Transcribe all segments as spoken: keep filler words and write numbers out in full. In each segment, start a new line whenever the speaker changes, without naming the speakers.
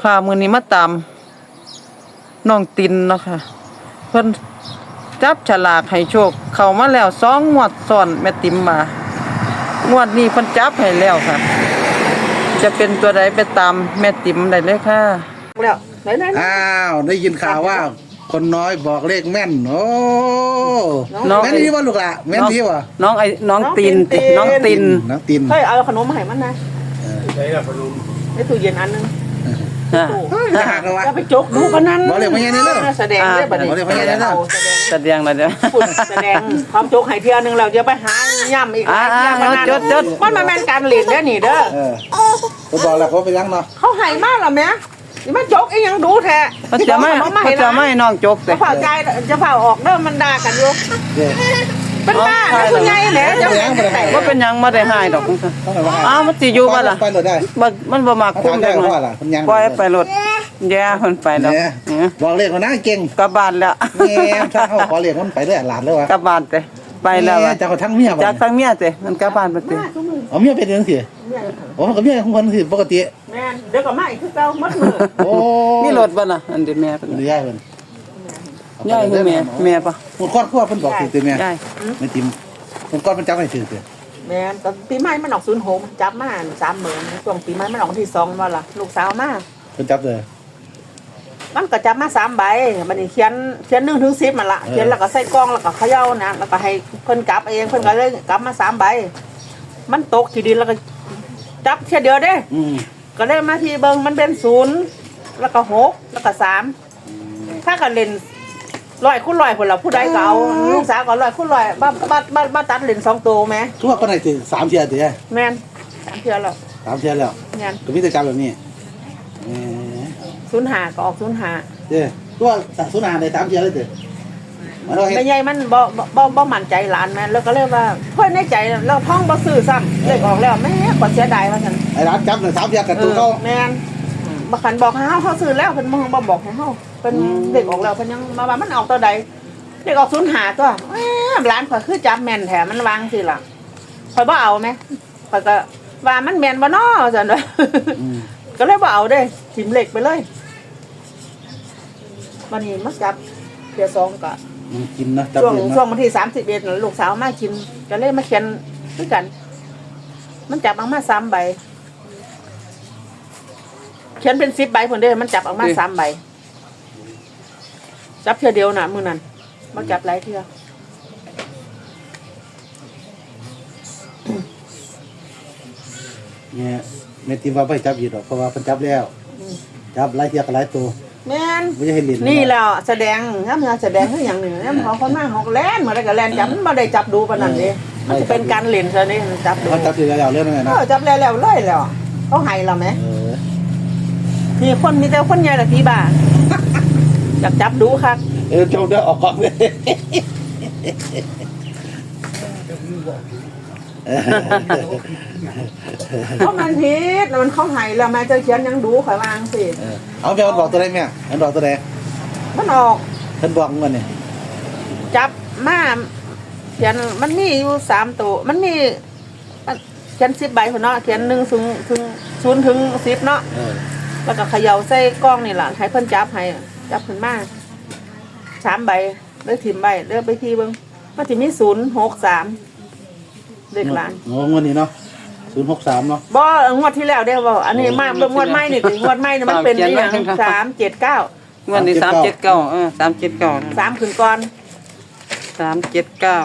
ค่ะมื้อนี้มาตามน้องตินเนาะค่ะเพิ่นจับฉลากให้โชคเข้ามาแล้วสองงวดซ้อนแม่ติ๋มมางวดนี้เพิ่นจับให้แล้วค่ะจะเป็นตัวใดไปตามแม่ติ๋มได้เลยค่ะ
แล้วไหนๆ
อ้าวได้ยินข่าวว่าคนน้อยบอกเลขแม่นโอ้แม่นที่ว่าลูกละแม่นที่ว่า
น้องไอ้น้องตินติน้องติน
น้องติน
เฮ้ยเอาขนมมาให้มันนะ
ใช่ละขนม
ในตู้เย็นอันนึง
จะหักแล้ววะ
จะไปจกดูพนัน
บอกเลยพญานี่เลย
แสดงได้บัดนี้
บอกเลยพญานี่เลย
แสดงแล้วเด้อ
แสดงความจกให้เที่ยนึงเราจะไปหาย่ำอีกหลายเที่ยพนัน
จดจด
มันมาแม่นการเล่นเด้อนี่เด้อ
เออเขาบอกแล้วเขาไปยังเนาะ
เขาให้มากหรอแม่นี่มันจกอีหยังดูแท้
เขาจะไม่เขาจะไม่น้องจกแต่
จะเผาใจจะเผาออกเด้อมันด่ากันอยู่เป็นบ้านะคุณยายแหละจะ
ว่าเป็นยังบ่ได้หายดอกอ้าวมันสิอยู่บ่ล่ะ
ไปรถได้
มันบ่มักคุ้มจังเลยปล่อยไปรถแย่เพิ่นไปแล้ว
บอกเลขมันน่าเก่ง
กลับบ้านแล้ว
แม่ถ้าเขาขอเลขมันไปได้หลานเลยวะ
กลับบ้านเด้ไปแล้ว
จากทั้งเมีย
จากทั้งเมียเด้มันกลับบ้านไปเด้
เอาเมียเป็นจังซี่โอ้ก็เมียของคนสิปกติ
แม่นเดี๋ยวก็มาอีกคือเก่าหมดมื้อ
โอ้
มีรถบ่ล่ะอันเด้แม่เพิ่น
ยายเพิ่น
ยายคือแม่แม่ปะ
คนครอบครัวเพิ่นบอกสิแม่ไม่ติมคนก่อนมันจับให้ซื่อ
ๆแม่นตอนปีใหม่มันออกศูนย์หกจับมาสามหมื่นช่วงปีใหม่มันออกวันที่สองว่าล่ะลูกสาวมา
เพิ่นจับเลย
มันก็จับมาสามใบบัดนี้เขียนเขียนหนึ่งถึงสิบมันละเขียนแล้วก็ใส่กล่องแล้วก็เขย่านะแล้วก็ให้เพิ่นกลับเองเพิ่นก็เลยกลับมาสามใบมันตกที่ดินแล้วก็จับแค่เดียวเด้ก็เลยมาที่เบิ่งมันเป็นศูนย์แล้วก็หกแล้วก็สามถ้ากันเล่นร้อยคูณร้อยคนละผู้ใดก็เอาลูกสาวก็ร้อยคูณร้อยบ้าบ้าบ้าบ้าตัดเล่นสองตัวไหม
ทั่วก็ได้ถึงสามเทียร์เดียว
แม่นสามเทียร์แล้ว
สามเทียร์แล้ว
แม่น
ก็มีแต่จับแบบนี้
ศูนย์หาก็ออกศูนย์หา
เด้อตัวศูนย์หาในสามเทียร์เลยเด้อ
ไม่ใหญ่มันบ่บ่บ่มั่นใจหลานแม่แล้วก็เรียกว่าเพื่อนในใจเราท่องบ่ซื้อซ้ำเลขออกแล้วแม่ก็เสียดายว่าซั่น
ไอ้ร้านจับเนี่ยสามเทียร์กับตัวเขา
แม่นบ่คันบอกให้เฮาเฮาซื้อแล้วเพิ่นบ่บอกให้เฮาเพิ่นเลขออกแล้วเพิ่นยังมาว่ามันออกตัวใดเลขออกศูนย์หาตัวแหมหลานข่อยคือจับแม่นแท้มันวางสิล่ะข่อยบ่เอาแม่ข่อยก็ว่ามันแม่นบ่น้อซั่นว่าก็เลยบ่เอาเด้ทิ่มเลขไปเลยวันนี้มาจับเที่ยสองก็
กินนะ
ช่วงช่วงวันที่สามสิบเอ็ดลูกสาวมากินก็เลยมาเขียนด้วยกันมันจับออกมาสามใบเขียนเป็นสิบใบคนเดียวมันจับออกมาสามใบจับเที่ยวเดียวน่ะมือนั้นมาจับหลายเที่ยว
เนี่ยเมติว่าไปจับอยู่หรอกเพราะว่าเพิ่นจับแล้วจับหลายเที่ยวกับหลายตัว
แม่น
น
นี่แล้วแสดงถ้ามันแสดงคืออย่างหนึ่งเนี่ยมันของคนมาของแล่นมาได้กับแล่นจับมันไม่ได้จับดูปานนั้นเด้มันจะเป็นการเล่นซะนี่จับดู
เขาจับทีแล้วเรื่องนั้นนะ
เออจับแล้วแล้วเลยแล้วเขาให้เราไหมมีคนมีแต่คนใหญ่ละพี่บ้าอยากจับดูครับ
เออจงได้ออกก่อนเลย
เพราะมันผิดมันเขาให้แล้วแม่จะเขียนยังดูข่อยวางสิ
เอาแม่มันบอกตัวใดแม่มันบอกตัวใด
มันออก
ท่านบอกมันเนี่ย
จับมาเขียนมันมีอยู่สามตัวมันมีเขียนสิบใบคนเนาะเขียนหนึ่งถึงถึงศูนย์ถึงสิบเนาะแล้วก็เขย่าใส่กล้องนี่แหละให้เพิ่นจับให้จับขึ้นมาสามใบเลือกถิ่มใบเลือกไปที่เบิ้งมันจะมีศูนย์หกสามเด็กหลาน
งงวันนี้เนาะศูนย์หกสามเนาะ
บ่งวดที่แล้วเด้อบ่อันนี้มาเบิ่งงวดใหม่นี่งวดใหม่นี่มันเป็นอย่างสามเจ็ดเก้าง
วดนี้สามเจ็ดเก้าเออสามเจ็ดเก้า
สามขึ้นก่อน
สามเจ็ดเก้า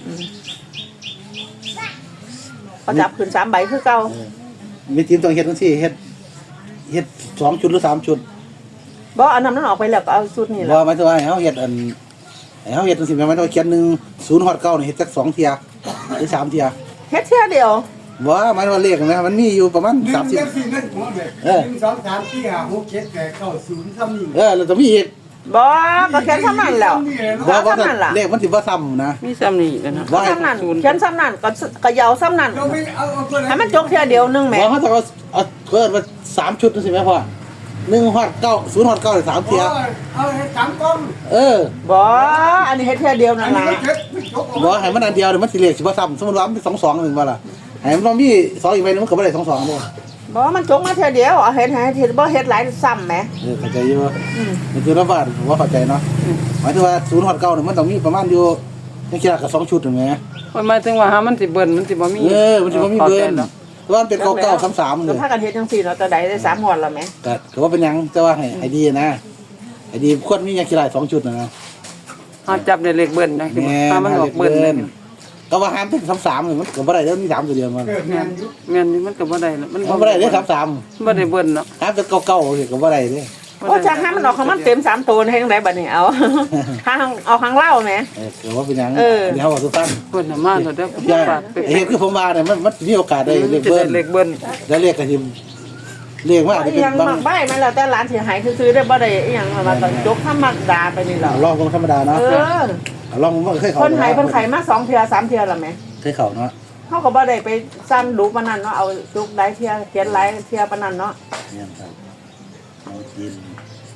พอจับขึ้นสามใบคือเก่า
มีทีมต้องเฮ็ดจังซี่เฮ็ดเฮ็ดสองชุดหรือสามชุด
บ่อันนั้นมันออกไปแล้วก็เอาชุดนี่แหละ
บ่หมายถึงว่าให้เฮาเฮ็ดอันให้เฮาเฮ็ดจังซี่แม่นว่าเขียนหนึ่ง ศูนย์ฮอดเก้านี่เฮ็ดจักสองเที่ยหรือสามเที่ย
เฮ็ดเที่ยเดียว
บ่หมายถึงว่าเลขนะมันมีอยู่ประมาณสามสิบ
เออหนึ่ง สอง สาม สี่ ห้า หก เจ็ด แปด เก้า ศูนย์ซ้ำนี่
เออแล้วจะมีอีก
บ่ก็เขียนซ้ำนั่นแล้ว
บ่ว่าเลขมันสิบ่ซ้ำนะ
มีซ้ำนี่กันนะ
บ่ซ้ำนั่นเขียนซ้ำนั่นก็ก็ยาวซ้ำนั่นให้มันจกเที่ยเดียวนึงแม่
บ่เขาจะเอาเอาเกิดว่าสามชุดจังซี่แม่พ่อหนึ่งฮอดเก้า ศูนย์ฮอดเก้าสามเที่ย
เอาให้สามกล้อง
เออ
บ่อันนี้เฮ็ดเที่ยเดียวนั่นล่ะ
บ่ให้มันอันเดียวเดี๋ยวมันสิเลขสิบ่ซ้ำสมมุติว่ามันเป็นสอง สองนึงว่าล่ะให้มันมีสองอีกใบนึงมันก็บ่ได้สอง สองบ่
บบอกว่ามันจงมาเท่าเดียวเอาเห็นเห็นบ่เฮ็ดหลายซ้ำแหม
เออเข้าใจอยู่
อืม
มันคือระบาดผมว่าเข้าใจเนาะหมายถึงว่าศูนย์หอดเก่าเนี่ยมันต้องมีประมาณอยู่ยังคิดกับสองชุดถูกไหม
มันหมายถึงว่าหามันสิเบิ่นมันสิบ่มี
เออมันจะมีเบิร์นแต่ว่ามันเป็นเก่าเก่าสามๆเล
ก็
ย
พากันเฮ็ดจังซี่เนาะแต่ใดได้สามงวดแล้วแหม
แต่ก็ว่าเป็นยังแต่ว่าให้ไอดีนะไอดีควรมียังคิดได้สองชุดนะนะ
หาจับได้เลขเบิ่นจังซี่
แม่
ถ้ามันออกเบิ่นเลย
ก็ว่าห้ามเป็นสามๆเลยมันก็บ่ได้แล้วมีสามตัวเดียวมัน
เกิดงานยุ
แม่นนี่มันก็บ่ได้แล้วมัน
มันบ่ได้เลยสาม
บ่ได้เบิ่นเนาะ
ๆห้ามเป็นเก่าๆเลยก็บ่ได้เลย
โอ้จักหามันออกของมันเต็มสามตัวให้จังไดบัดนี้เอา ทางเอาข้างเล่าแหม
เออก็ว่าเป็นยัง
เออ
เดี๋ยวเขาบอกทุกท่าน
เบิ่นน่ะมาแล้วเด้อ
ใช่
ฝากไป
ไอ้เห็นคือผมมาเนี่ยมันมันมีโอกาสได้เรียก
จะ
เบิ้
ได้
ล
เลขเบิ่น
แล้วเรียกกระทิมเรียกว่าอาจจะเป็น
ยัง
บาง
มักใบมันแล้วแต่ร้านสิหายซื้อๆได้บ่ได้อีหยังมาต้องยกธรรมดาไปนี่หรอ
ลองของธรรมดาเนาะ
เออ
ลองว่าเคยเขา
คนหายเพิ่นไขมาสองเทื่อสามเทื่อแล้วแหม
เคยเขาเนาะ
เขาก็บ่ได้ไปสั้นดูปานนั้นเนาะเอาจุกได้เที่ยเขียนหลายเที่ยปานนั้นเนาะ
เนี่ยครับน้องกิน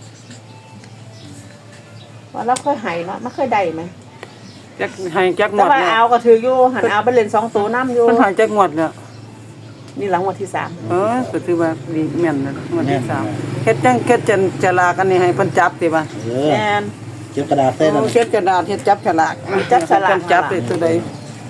ว่าเราเคยให้เนาะมันเคยได้ไหม
จักให้จักง
แต่
วด
ว่า
แล้ว
เอาก็ถืออยู่หันเอาไปเล่นสองตัวน้ำอยู่
มันให้จักงวดแล้ว
นี่หลังวันที่สาม
เออก็ถือว่าดีแม่นนะงวดที่สามเฮ็ดจังเฮ็ดจันจะลากันนี่ให้เพิ่นจับติบ่ะ
เออ
แอน
เก็บกระดาษเส้นนั่น
เฮ็ดกระดาษเฮ็ดจับฉลาก
จับฉลาก
จับได้ตัวใด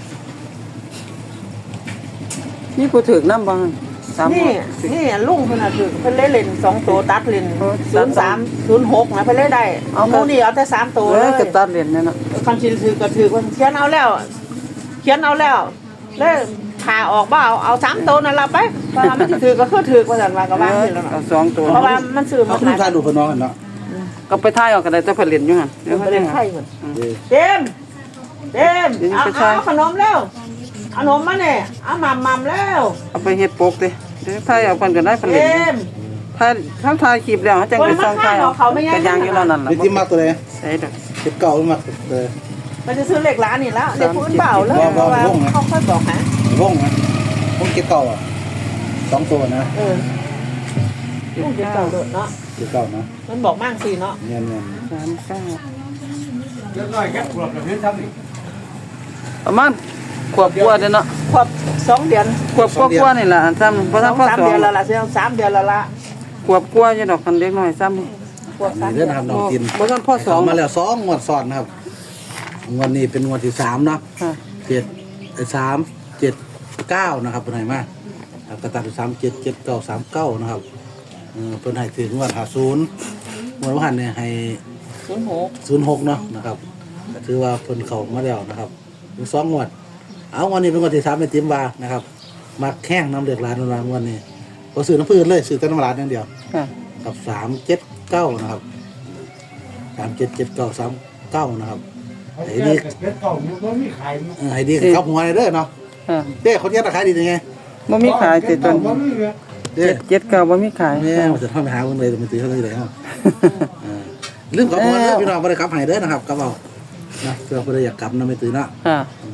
นี่ผู้ถูกนำบ่สามง
นี่
วด
นี่ลุงเพิ่นน่ะถือเพิ่นเล่นเล่นสองตัวตัดเล่น
เออ
ศูนย์สามศูนย์หกนะเพิ่นเล่นได้
เอา
หมูนี่เอาแต่สามตัว
เอ
เล
อย ก็ตัดเหรียญนั่นน่ะ
คันสิถือก็ถือว่าเขียนเอาแล้ว เขียนเอาแล้วแล้วผ่าออกบ่เอาเอาสามตัวนั่นล่ะไปว่ามันสิถือก็คือถือว่าซั่นว่าก็ว่าสิแล้ว
เอา
เนาะ
สองตัว
เพราะว่ามันซื้อ
เอา
มา
คุณทายดูคนน้องกันเนาะ
ก็ไปถ่ายเอาก็ได้แต่เพิ่นเล่นอยู่หั่นเดี๋ยว
ไป
เพิ่น
เล่
เล่
น
น
ไข่เพิ่น
เออ
เต็มเต็ม
เดี๋ยวนี้
เอา
ไปใช้
เอาขนมแล้วขนมมาเนี่ยเอาหม่ำหม่ำแล้ว
เอาไปเฮ็ดปกดิเดี๋ยวถ่ายเอาเพิ่นก็ได้เพิ่นเล่น
เต็
อยู่
ม
ถ่ายทั้งถ่ายคลิปแล้วจังไปส่องถ่ายเอาก็ยังอยู่แล้วนั่นล่ะ
นี่ที่มากตัวเลย
ใช่ดอก
เก็บเก่ามากเลย
มันจะซื้อเหล็กร้านนี่แล้วเด็กพื้นเปล่าเลย
บอก
เพ
บอก
ราะว่า
บอกนะ
เขาค่อยบอกฮะ
วงนะวงเก็บเก่าอ่ะสองตัวนะ
เออลูกเด็กเก่าเด้อเนาะ
เก็บเก่านะ
มันบอกมั่งสิเนาะ
เงี้ยเงี้ย
สามเก้า
เดี๋ยวน้อยแค่ขวบแบบนี้ทำนี่
ประมาณขวบกว่าเด้อเนาะ
ขวบสองเดือน
ขวบกว่าๆนี่ล่ะซ้ำบ่
ส
ทั
อน ง
พอ
สาม
สอ
เดื
ง
อนแล้วล่ะเสียสามเดือนแล้วล่ะ
ขวบกว่าอยู่ดอกคันเด็กน้อยซ้ำนี่
ขวบสาม
เรื่
เดื
อ
อง น
ทำน้องกิน
บ่ทันพอสอง
มาแล้วสองงวดซ้อนนะครับงวดนี้เป็นงวดที่สามเนาะ
ค่ะ
เจ็ดเอ้ยสามเจ็ดเก้านะครับเป็นไงมาแล้วก็ตัดสามเจ็ดเจ็ดเก้าสามเก้านะครับเออเป็นให้ถึงงวดหาศูนย์งวดวันเนี่ยให้
ศูนย์หก
ศูนย์หกเนาะนะครับก็ถือว่าเพิ่นเข้ามาแล้วนะครับถึงสองงวด เอางวดนี้เป็นงวดที่สามเป็นติมบานะครับมาแข้งน้ำเดือดร้านนงวดนี้พอซื้อน้ำพืชเลยซื้อแต่น้ำร้านอย่างเดียว
ค่ะ
กับสามเจ็ดเก้านะครับสามเจ็ดเจ็ดเก้าสามเก้านะครับ
เขาแก่เกิดเก่ามันก็มีขายมั้ง
เออให้ดีกับหัวเลยเด้อเนาะ
ค่ะ
เด้คนนี้ราคาดียังไง
บ่มีขายติดต
เก่าน
นี้
มันมีเลย
เด้
เจ็ดเจ็ดเก้าบ่มีขาย
แม่มันจะทำไปหาคนเลยมันตีเขาเลยเลยเนาะเออลืมกับหัวเลยพี่น้องไม่ได้กลับให้เด้อนะครับกลับเอานะเพื่อคนอยากกลับนะไม่ตื่นเนาะ
ค่ะ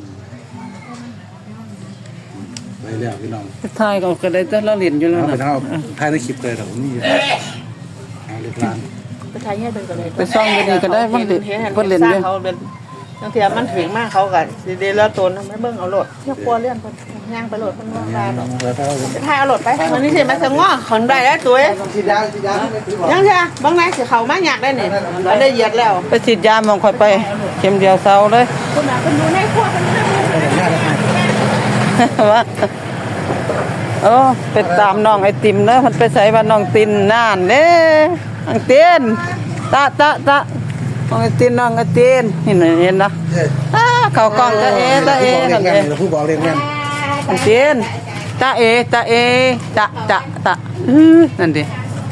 ไปแล้วพี่น้อง
ถ่ายก็ก็ได้แต่ละเหรียญอยู่แล้ว
เอาไป
นะ
เท่าถ่ายในคลิปเลยแต่ผมนี่เอาเรียบร้าน
ไปทายแย่เป็นกันเลย
ไปซ่องดีๆก็ได้บางที
เห็น
เพิ่นเล่น
สร้า
เด้
งเขาเป็นบางทีมันถึงมากเขากันสิเดแล้วตนไม่เบิ่งเอาโหลดเที่ยวกลัวเลื่อนเพิ่นย่างไปโหลดเพิ่นว่าลาดอก
แล้วถ้าเรา
ไปทายเอาโหลดไปวันนี้สิมาสงอขอนได้แล้วตัวเอ้ย
ฉีดยาฉีดยาไม่ถือบอก
ยังเถอะบางไหนสิเขามาอยากได้นี่มันได้เหยียดแล้ว
ไปฉีดยามองค่อยไปเข็มเดียวเซาเลย
คุณน่ะเพิ่นดูในครัวเพิ่นทำ
ว่าโอ้ไปตามน้องไอติมเนอะมันไปใส่ว่าน้องตินน่านเด้น้องตินตะตะตะน้องไอตินน้องไอตินเห็นไหมเห็นนะ
เอ้ย
อ้าเข้ากล้องตะเอตะเอ
ผู้บอกเรีย
นั่
ก
น
แม่
เอน
ผู้บอกเรียกแม่น
น้องตินตะเอตะเอตะตะตะอื้อนั่นดิ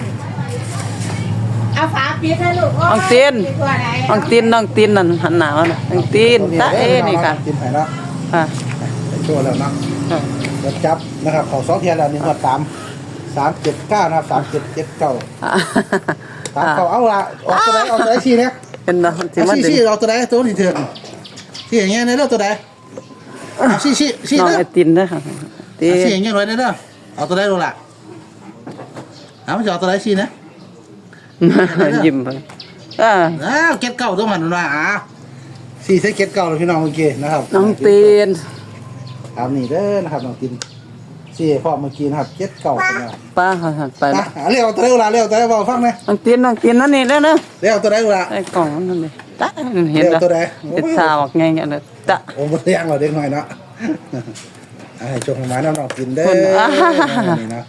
เอาฝาปิดให้ลูก
น้องตินน้องตินน้องตินนั่นหันหน้ามาน่ะน้องตินตะเอนี่ค่ะ
กินไปแล้ว
ค่ะ
ไปโชว์แล้วเนาะ
ค่ะ
รถจับนะครับเขาสองเทียนแล้วนี่หมดสามสามเจ็ดเก้านะครับสามเจ็ดเจ็ดเก้าสามเขาเอาละออกตัวไหนออกตัวไหนชี้เนี่ย
เป็นนะที่
เอา
มัน
ชี้
ดึง
ชี้เอาตัวไหนตัวนี้เถื่อนชี้อย่างเงี้ยในเรื่องตัวไหนเอาชี้ชี้ชี้
น้อง
เด้อ
ไอตินนะคะติ
เอาชี้อย่างเงี้ยหน่อยเด้อเอาตัวไหนดูล่ะเอาไม่จะเอาตัวไหนชี้นะ
ยิ้มไปอ่า
อ้าวเก็ตเก้าตัวมันว่าอ่าสี่ใช้เก็ตเก้าเลยพี่น้องเมื่อกี้นะครับ
น้องตีน
ตามนี่เด้อนะครับน้องตินสี่พ่อเมื่อกี้นะครับเจ็ดเก่าเป็นไง
ป้าเขาหันไป
ไป
แล้ว
เรียกเอาตัวไหนเวลาเรียกเอาตัวไหนบอกฟังไหม
นั่งกินนั่งกินนั่นนี่แล้วเนอะ
เรียกเอาตัวไหนเวลา
ไอ้กล่องนั่นนี่ตะเห็น
เรียก
แล้ว
ตัวไหน
เป็นสาวไงเงี้ยเลยตะ
โอ้มันเรียงเราเด็กหน่อยเนาะให้ชมของหมาน้ำน้องกินเด้อ
คนอ่า
นี่เนาะ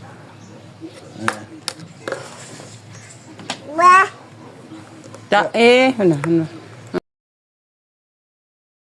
จะเอ๊ะนั่นน่ะนั่นน่ะ